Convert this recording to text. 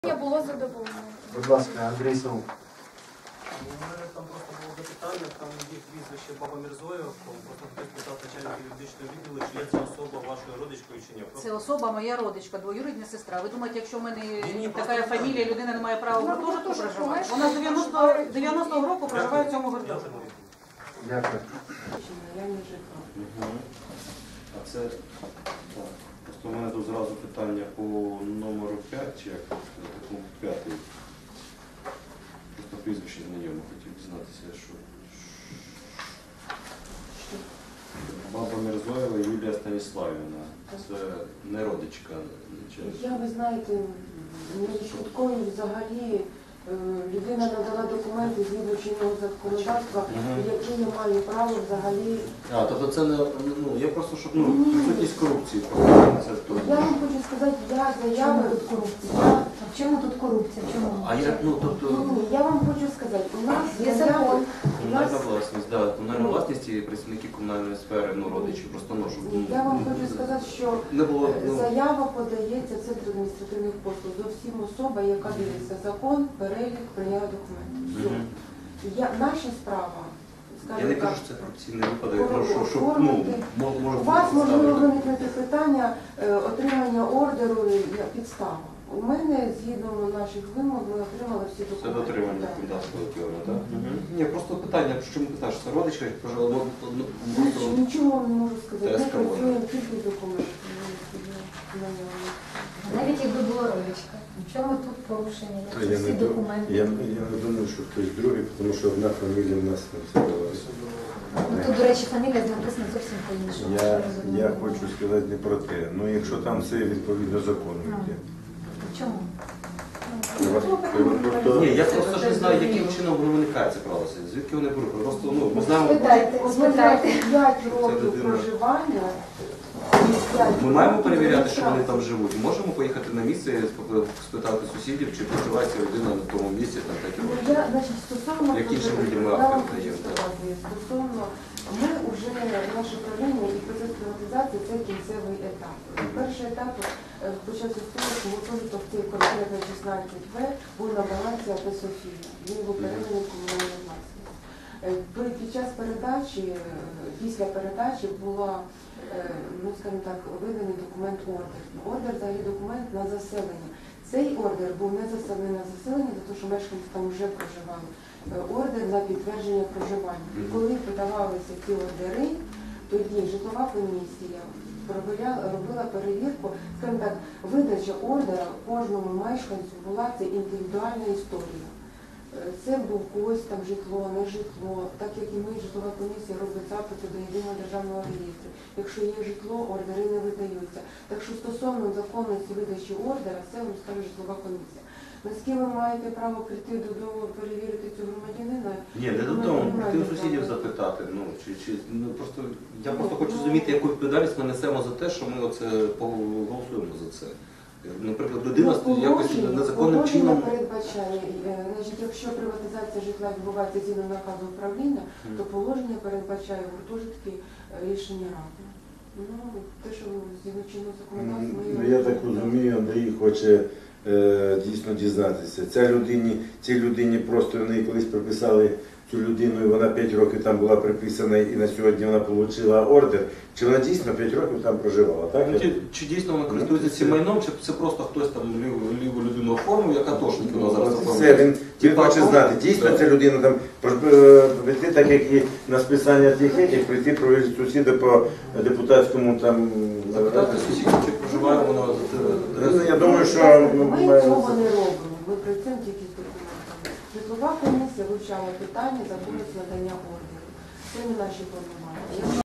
Було задоволено. Будь ласка, Андрій Саук. У мене там просто було запитання, там є прізвище Баба Мірзоєв, просто хтось питав начальника юридичного відділу, чи є ця особа вашою родичкою чи ні. Це особа моя родичка, двоюрідна сестра. Ви думаєте, якщо в мене Ні, така просто фамілія, людина не має права в гуртожитку проживати? Вона з 90-го року проживає в цьому гуртожитку. Дякую. Я не житла. А це так. Просто у мене тут зразу питання по номеру 5, чи як такому 5. Просто прізвище знайомо, хотів дізнатися, що Баба Мірзоєва Юлія Станіславівна. Це не родичка. Я, ви знаєте, не швидкою взагалі людина надала документи згідно чинного законодавства, які я маю право взагалі. А, тобто це не, я просто, щоб, відсутність корупції. Це то. Я вам хочу сказати, я заяви тут корупція. В чому тут корупція? В чому? А я, тобто... Ні, я вам хочу сказати, у нас Є закон. Комунальна власність, так, комунальна власність і працівники комунальної сфери, родичі, просто щоб... Я вам хочу сказати, що не було, заява подається в Центр адміністративних послуг до всім особа, яка дивиться закон, перелік, прийняття документів. Все. Наша справа, Я не скажімо кажу, так, що це корупційний випадок, що може у вас можливо ставити. виникнути питання отримання ордеру як підстава. У мене, згідно наших вимог, ми отримали всі Це документи. дотримання законодавства певно, так? Ні, просто питання, чому питаєш, це родичка, пожалуйста, Нічого вам не можу сказати. Ми ТСК працюємо тільки з документами. Навіть якби була родичка. В чому тут порушення? Я Всі документи. не думаю, що хтось другий, тому що одна фамілія в нас не встановилася. Ну, тут, до речі, фамілія написана зовсім по-іншому. Я хочу сказати не про те. Ну, якщо там все відповідно закону йде. В чому? Ні, я просто ж не знаю, яким чином воно виникає це правилося, звідки вони беруть. Просто, ми знаємо... Спитайте. 5 років проживання. Ми маємо перевіряти, що вони там живуть. Можемо поїхати на місце, спитати сусідів, чи проживає ця людина на тому місці, там 5 років. Я, значить, стосовно Як іншим людям ми я вам актив хочу даємо, так. сказати, стосовно, ми вже, наше правління і процес приватизації – це кінцевий етап. Перший етап почався з того, що гуртожиток цей конкретно 16В був на балансі АТ «Софія». Він був переданий в комунальну власність. Під час передачі, після передачі була, скажімо так, виданий документ ордер. Ордер – взагалі документ на заселення. Цей ордер був не заселений на заселення, тому що мешканці там вже проживали. Ордер на підтвердження проживання. І коли подавалися ці ордери, тоді житлова комісія робила перевірку, скажімо так, видача ордера кожному мешканцю була це індивідуальна історія. Це був когось там житло, не житло, так як і ми, житлова комісія робить запити до єдиного державного реєстру. Якщо є житло, ордери не видаються. Так що стосовно законності видачі ордера, це вам скаже житлова комісія. Наскільки ви маєте право прийти додому, перевірити цю громадянина? Ні, не додому, прийти у сусідів запитати. Просто, я просто хочу розуміти, яку відповідальність ми несемо за те, що ми голосуємо за це. Наприклад, людина якось незаконним чином... передбачає, якщо приватизація житла відбувається згідно наказу управління, то положення передбачає гуртожитки рішення ради. Те, що згідно чинного законодавства... Я так розумію, Андрій хоче дійсно дізнатися. Цій людині просто вони колись приписали цю людину, і вона 5 років там була приписана, і на сьогодні вона отримала ордер. Чи вона дійсно 5 років там проживала, так? Чи дійсно вона користується цим майном, чи це просто хтось там ліву людину оформив, як атошник вона зараз оформив? Він хоче знати, дійсно ця людина там прийти, так як і на списання тих етих, прийти провірити сусіда по депутатському там... Запитати сусідів, чи проживає вона... Я думаю, що... Ми цього не робимо, ми працюємо тільки з документами. Житлова комісія вивчала питання законності надання ордерів. Це не наші повноваження.